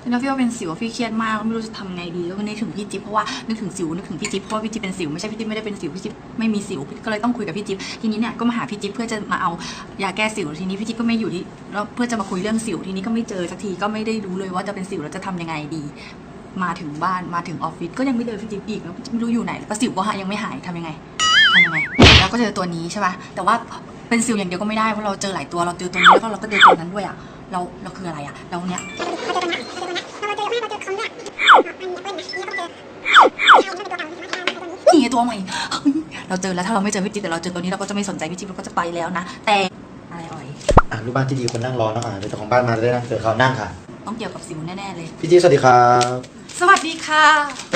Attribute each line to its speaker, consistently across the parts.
Speaker 1: แล้วพี่ว่าเป็นสิวพี่เครียดมากไม่รู้จะทำไงดีแล้วก็นึกถึงพี่จิ๊บเพราะว่านึกถึงสิวนึกถึงพี่จิ๊บเพราะว่าพี่จิ๊บเป็นสิวไม่ใช่พี่จิ๊บไม่ได้เป็นสิวพี่จิ๊บไม่มีสิวก็เลยต้องคุยกับพี่จิ๊บทีนี้เนี่ยก็มาหาพี่จิ๊บเพื่อจะมาเอายาแก้สิวทีนี้พี่จิ๊บก็ไม่อยู่ที่แล้วเพื่อจะมาคุยเรื่องสิวทีนี้ก็ไม่เจอสักทีก็ไม่ได้รู้เลยว่าจะเป็นสิวแล้วจะทำยังไงดีมาถึงบ้านมาถึงออฟฟิศก็ยังไม่เจอพี่จิ๊บอีกแล้วไม่รู้อยู่ไหนแล้วก็สิวก็ยังไม่หายทำยังไงแล้วก็เจอตัวนี้ใช่ป่ะแต่ว่าเป็นสิวอย่างเดียวก็ไม่ได้เพราะเราเจอหลายตัวเราเจอตัวนี้แล้วก็เราก็เจอตัวนั้นด้วยอ่ะเราคืออะไรอ่ะเราเนี้ยนี่ตัวใหม่เราเจอแล้วถ้าเราไม่เจอพี่จิ๊บแต่เราเจอตัวนี้เราก็จะไม่สนใจพี่จิ๊บเราก็จะไปแล้วนะแต่อะไรอ่อย
Speaker 2: ลูกบ้านที่ดีคนนั่งรอเนาะเดี๋ยวเจ้าของบ้านมาได้นั่งเกิดเขานั่งค่ะ
Speaker 1: ต้องเกี่ยวกับสิวแน่ๆเลย
Speaker 2: พี่จิ๊บสวัสดีครับ
Speaker 1: สวัสดีค่ะ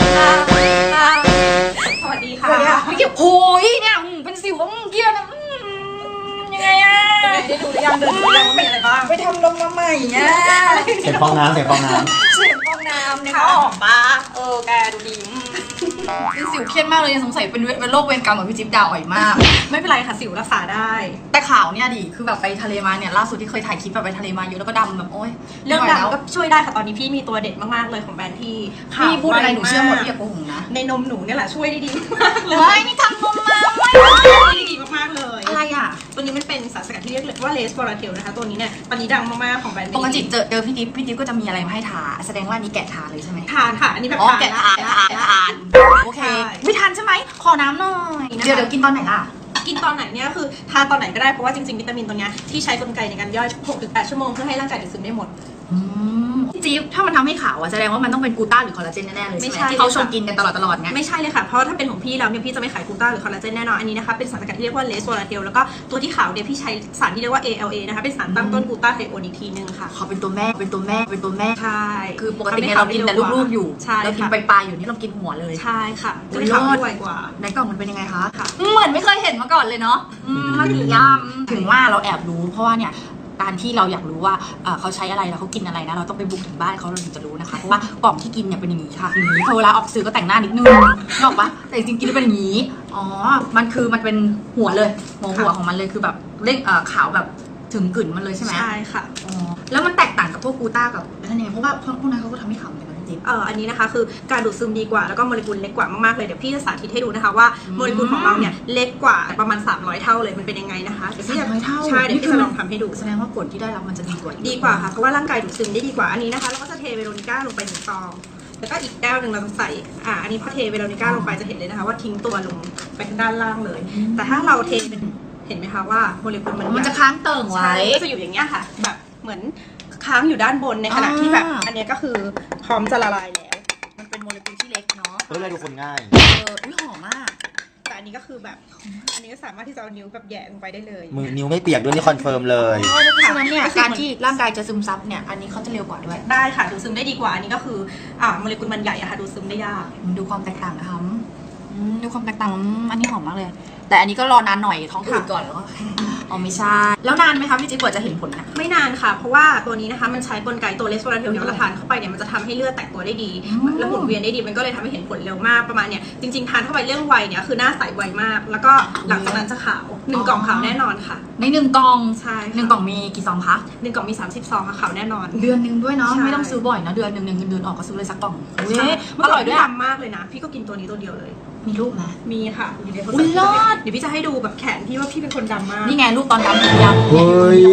Speaker 3: สวัสดีค่ะ
Speaker 1: พี่เกี่ยวโอ้ยเนี่ยเป็นสิวเกี่ยวนะยังไงอะ
Speaker 3: ได้ดูหรือยังเดินดูยังว่ามีอะไรบ้าง
Speaker 1: ไปทำลงมาใหม่เนี่ย
Speaker 2: เสียงฟองน้ำ
Speaker 1: เสียงฟองน้ำเนี่ยออกปะแกดูดีเป็นสิวเครียดมากเลยสงสัยเป็นโรคเวรกรรมของพี่จิ๊บดาวอ่อยมาก
Speaker 3: ไม่เป็นไรค่ะสิวรักษาได้
Speaker 1: แต่ข่าวเนี่ยดิคือแบบไปทะเลมาเนี่ยล่าสุดที่เคยถ่ายคลิปแบบไปทะเลมาเยอะแล้วก็ดำแบบโอ๊ย
Speaker 3: เรื่องดำก็ช่วยได้ค่ะตอนนี้พี่มีตัวเด็ดมากๆเลยของแบรนด์ที่
Speaker 1: พี่พูดอะไรหนูเชื่อหมดพี่อย่าโกหกนะ
Speaker 3: ในนมหนูเนี่ยแหละช่วยได้ดีมากเล
Speaker 1: ยนี่ทำนมมา
Speaker 3: ได้ดีมากๆเลย
Speaker 1: อะไรอ่ะ
Speaker 3: ตัวนี้มันเป็นสารสกัดที่เรียกว่าเลสบอราเทลนะคะตัวนี้เนี่ยตอนนี้ดังมากๆของแบรนด์
Speaker 1: ปกติเจอพี่ดิ๊บก็จะมีอะไรมาให้ทาแสดงว่านี้แกะทาเลยใช่ไหม
Speaker 3: ทานค่ะอันนี้แบบ
Speaker 1: แกะทานโอเคไม่ทานใช่ไหมขอน้ำหน่อยเดี๋ยวกินตอนไหนล่ะ
Speaker 3: กินตอนไหนเนี่ยคือทานตอนไหนก็ได้เพราะว่าจริงๆวิตามินตัวนี้ที่ใช้กลไกในการย่อย 6-8 ชั่วโมงเพื่อให้ร่างกายดูดซึมได้หมด
Speaker 1: จี๊บถ้ามันทำให้ขาวอะแสดงว่ามันต้องเป็นกูต้าหรือคอลลาเจนแน่ๆเลยใช่ไหมที่เขาชงกินกันตลอดไง
Speaker 3: ไม่ใช่เลยค่ะเพราะถ้าเป็นของพี่แล้วเนี่ยพี่จะไม่ขายกูต้าหรือคอลลาเจนแน่นอนอันนี้นะคะเป็นสารสกัดที่เรียกว่าเลสโวลาเทลแล้วก็ตัวที่ขาวเนี่ยพี่ใช้สารที่เรียกว่า ALA นะคะเป็นสารตั้งต้นกูต้าไทโอนอีกทีนึงค่ะ
Speaker 1: เขาเป็นตัวแม่
Speaker 3: ใช่
Speaker 1: คือปกติเรากินแต่ลูกๆอยู่เรากินปลายๆอยู่นี่เรากินหัวเลย
Speaker 3: ใช่ค่ะจะขาวด้วยกว่า
Speaker 1: ในกล่องมันเป็นยังไงคะเหมือนไม่เคยเห็นมาก่อนเลยเนาะมาดีย่ำถึงว่าเราแอบรู้เพราะว่าเนี่ยการที่เราอยากรู้ว่าเขาใช้อะไรแล้วเขากินอะไรนะเราต้องไปบุกถึงบ้านเขาเราถึงจะรู้นะคะเพราะว่ากล่องที่กินเนี่ยเป็นอย่างนี้ค่ะอย่างนี้พอเวลาออกสื่อก็แต่งหน้านิดนึงนอกปะแต่จริงๆกินเป็นอย่างนี้อ๋อมันเป็นหัวเลยหัวของมันเลยคือแบบเร่งขาวแบบถึงกลิ่นมันเลยใช่ไหม
Speaker 3: ใช่ค่ะ
Speaker 1: อ๋อแล้วมันแตกต่างกับพวกกูต้ากับนั่นเองเพราะว่าพวกนั้นเขาก็ทำให้ขาวเหมือนกัน
Speaker 3: อันนี้นะคะคือการดูดซึมดีกว่าแล้วก็โมเลกุลเล็กกว่ามากๆเลยเดี๋ยวพี่จะสาธิตให้ดูนะคะว่าโมเลกุลของเราเนี่ยเล็กกว่าประมาณ300เท่าเลยมันเป็นยังไงนะคะ
Speaker 1: 300เท่า
Speaker 3: ใช่เดี๋ยวพี่จะลองทำให้ดู
Speaker 1: แสดงว่าผลที่ได้รับมันจะดีก
Speaker 3: ว่าค่ะเพราะว่าร่างกายดูดซึมได้ดีกว่าอันนี้นะคะเราก็จะเทเวโรนิก้าลงไป1 ซองแล้วก็อีกแก้วหนึ่งเราจะใส่อันนี้พอเทเวโรนิก้าลงไปจะเห็นเลยนะคะว่าทิ้งตัวลงไปด้านล่างเลยแต่ถ้าเราเทเป็นเห็นไหมคะว่าโมเลกุล
Speaker 1: มันจะค้างเติ่งไว้
Speaker 3: ก็จะอยู่อย่างเงี้ยค่ะแบบเหมือนค้างอยู่ด้านบนในขณะที่แบบอันนี้ก็คือพร้อมจะละลายแล้ว
Speaker 1: มันเป็นโมเลกุลที่เล็กเนาะ
Speaker 2: เลยดูคนง่าย
Speaker 1: อุ้ยหอมมาก
Speaker 3: แต่อันนี้ก็คือแบบอันนี้ก็สามารถที่จะเอานิ้วแบบแย่ลงไปได้เลย
Speaker 2: มือนิ้วไม่เปียกด้วยนี่คอนเฟิร์มเลย
Speaker 1: เพราะฉะนั้นเนี่ยการที่ร่างกายจะซึมซับเนี่ยอันนี้เขาจะเร็วกว่าด้วย
Speaker 3: ได้ค่ะดูซึมได้ดีกว่าอันนี้ก็คือโมเลกุลมันใหญ่อะค่ะดูซึมได้ยาก
Speaker 1: ดูความแตกต่างนะคะดูความแตกต่างอันนี้หอมมากเลยแต่อันนี้ก็รอนานหน่อยท้องอืดก่อนแล้วก็ไม่ใช่แล้วนานไหมคะพี่จิ๊บกว่าจะเห็นผลนะ
Speaker 3: ไม่นานค่ะเพราะว่าตัวนี้นะคะมันใช้กลไกตัวเลสโวลาเทลเนี่ยเราทานเข้าไปเนี่ยมันจะทำให้เลือดแตกตัวได้ดีและหมุนเวียนได้ดีมันก็เลยทำให้เห็นผลเร็วมากประมาณเนี่ยจริงๆทานเข้าไปเรื่องวัยเนี่ยคือหน้าใสไวมากแล้วก็หลังจากนั้นจะขาว1 กล่องขาวแน่นอนค่ะ
Speaker 1: ใน1 กล่อง
Speaker 3: ใช่
Speaker 1: 1 กล่องมีกี่ซองคะ
Speaker 3: 1 กล่องมี30 ซองค่ะขาวแน่นอน
Speaker 1: เดือนนึงด้วยเนาะไม่ต้องซื้อบ่อยนะเดือนนึงเงินเดือนออกก็ซื้อเลยสักกล่อง
Speaker 3: อร่อยด้วยดำมากเลยนะพี่ก็กินตัวนี้ตัวเดียวเลย
Speaker 1: มีรูปไหม
Speaker 3: มีค่ะ
Speaker 1: อยู่ในโทรศัพท์
Speaker 3: เดี๋ยวพี่จะให้ดูแบบแขนพี่ว่าพี่เป็นคนดำมาก
Speaker 1: นี่ไงรูปตอนดำผมยาว
Speaker 2: เฮ้ย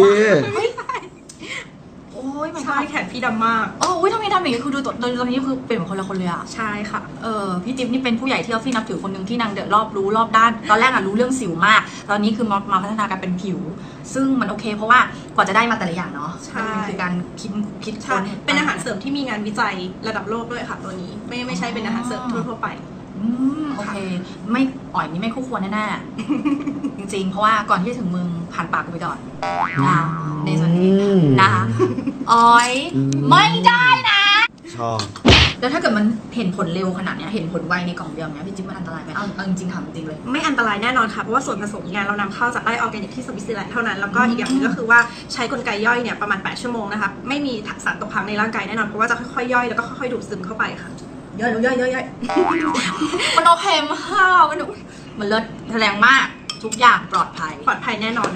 Speaker 1: โอ้ย
Speaker 3: ใช่แขนพี่ดำมาก
Speaker 1: ทำไมทำอย่างนี้คือดูตอนนี้คือเปลี่ยนเป็นคนละคนเลยอะ
Speaker 3: ใช่ค่ะ
Speaker 1: พี่จิ๊บนี่เป็นผู้ใหญ่ที่เราที่นับถือคนหนึ่งที่นางเดือดรอบรู้รอบด้านตอนแรกอะรู้เรื่องสิวมากตอนนี้คือมาพัฒนาการเป็นผิวซึ่งมันโอเคเพราะว่ากว่าจะได้มาแต่ละอย่างเนาะ
Speaker 3: ใช่
Speaker 1: คือการคิด
Speaker 3: ค้นเป็นอาหารเสริมที่มีงานวิจัยระดับโลกด้วยค่ะตัวนี้ไม่ใช่เป็นอาหารเสริมทั่วไป
Speaker 1: โอเคไม่อ่อยนี่ไม่คู่ควรแน่ๆจริงๆเพราะว่าก่อนที่จะถึงมึงผ่านปากกูไปก่อนนะในส่วนนี้นะคะอ่อยไม่ได้นะ
Speaker 2: ชอบ
Speaker 1: แล้วถ้าเกิดมันเห็นผลเร็วขนาดนี้เห็นผลไวในกล่องเดียวเนี้ยพี่จิ๊บมันอันตรายไหมเอาจริงๆถามจริงเลย
Speaker 3: ไม่อันตรายแน่นอนค่ะเพราะว่าส่วนผสมงานเรานำเข้าจากไร่ออร์แกนิกที่สวิตเซอร์แลนด์เท่านั้นแล้วก็อีกอย่างนึงก็คือว่าใช้กลไกย่อยเนี่ยประมาณ8 ชั่วโมงนะคะไม่มีสารตกค้างในร่างกายแน่นอนเพราะว่าจะค่อยๆย่อยแล้วก็ค่อยๆดูดซึมเข้าไปค่ะ
Speaker 1: ย่อยมันโอเคมากมันเลิศแรงมากทุกอย่างปลอดภัย
Speaker 3: แน่นอนค่ะ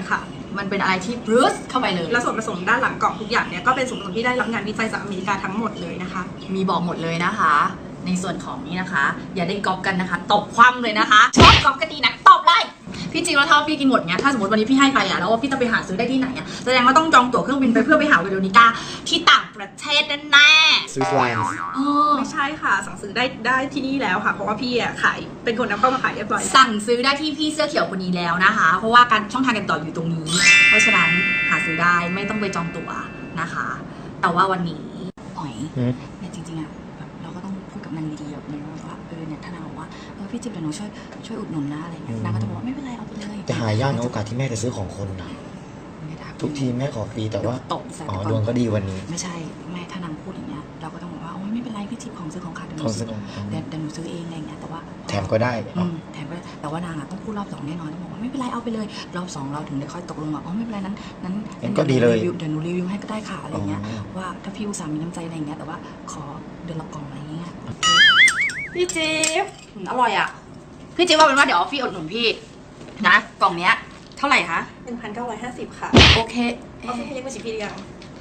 Speaker 1: มันเป็นอะไรที่บรูซเข้าไปเลย
Speaker 3: และส่วนผสมด้านหลังกล่องทุกอย่างเนี่ยก็เป็นส่วนผสมที่ได้รับงานวิจัยจากอเมริกาทั้งหมดเลยนะคะ
Speaker 1: มีบอกหมดเลยนะคะ ในส่วนของนี้นะคะ อย่าได้ก๊อปกันนะคะตบคว่ำเลยนะคะชอบก๊อปกันดีนะตบเลยพี่จริงแล้วถ้าพี่กินหมดเงี้ยถ้าสมมติวันนี้พี่ให้ไปอ่ะแล้วว่าพี่จะไปหาซื้อได้ที่ไหนอ่ะแสดงว่าต้องจองตั๋วเครื่องบินไปเพื่อไปหาเวโรนิก้าที่ต่างประเทศแน่ๆ
Speaker 2: สวิสแลนด์
Speaker 3: ไม่ใช่ค่ะสั่งซื้อได้ที่นี่แล้วค่ะเพราะว่าพี่ขายเป็นคนนำเข้ามาขายเรียบร้อย
Speaker 1: สั่งซื้อได้ที่พี่เสื้อเขียวคนนี้แล้วนะคะ เพราะว่าการช่องทางการติดต่ออยู่ตรงนี้ เพราะฉะนั้นหาซื้อได้ไม่ต้องไปจองตั๋วนะคะ แต่ว่าวันนี้อ๋อยเนี่ยจริงๆอ่ะแบบเราก็ต้องพูดกับนางดีๆแบบนี้ว่าเนี่ยถ้านางบอกว่าพี่จิ๊บเดี๋ยวหนูช่วยอุดหนุนนะอะไรเงี้ยนางก็จะบอกว่าไม่เป็นไรเอาไปเลย
Speaker 2: จะหายากนะโอกาสที่แม่จะซื้อของคนนะทุกทีแม่ขอฟรีแต่ว่า
Speaker 1: ตบใส่
Speaker 2: อ๋อดวงก็ดีวันนี้
Speaker 1: ไม่ใช่แม่ถ้านางพูดอย่างเงี้ยเราก็ต้องบอกว่าโอ้ยไม่เป็นไรพี่จิ๊บของซื้อของขาดเดี๋ยวหนูซื้อเองอะไรเงี้ยแต่ว่า
Speaker 2: แถมก็ได้
Speaker 1: แถมก็ได้แต่ว่านางอ่ะต้องพูดรอบสองแน่นอนต้องบอกว่าไม่เป็นไรเอาไปเลยรอบสองเราถึงได้ค่อยตกลงว่าอ๋อไม่เป็นไรนั้น
Speaker 2: ก็ดีเลย
Speaker 1: เดี๋ยวหนูรีวิวให้ก็ได้ค่ะอะไรเงี้ยว่าถ้าพี่อุตส่าห์มีน้ำใจอะไรเงี้ยแต่ว่าขอเดือนละกล่องอะไรเงี้ยพี่จิ๊บอร่อยอ่ะพี่จิ๊บว่าเป็นว่าเดี๋ยวพี่อุดหนุนพี่นะกล่องเนี้ยเท่าไหร่คะ
Speaker 3: 1,950 ค่ะ
Speaker 1: โอเค
Speaker 3: เอาพี่เรียกว่าชิพี่หรือยัง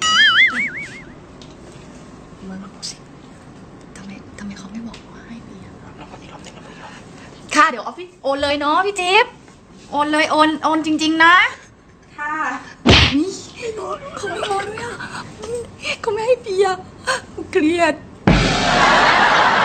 Speaker 1: มึงสิทำไมเขาไม่บอกว่าให้พี่อะค่ะเดี๋ยวออฟฟิศโอนเลยเนาะพี่จิ๊บโอนเลยโอนจริงๆนะ
Speaker 3: ค่ะ
Speaker 1: นี่เขาไม่โอนด้วยอ่ะเขาไม่ให้พี่อะเครียด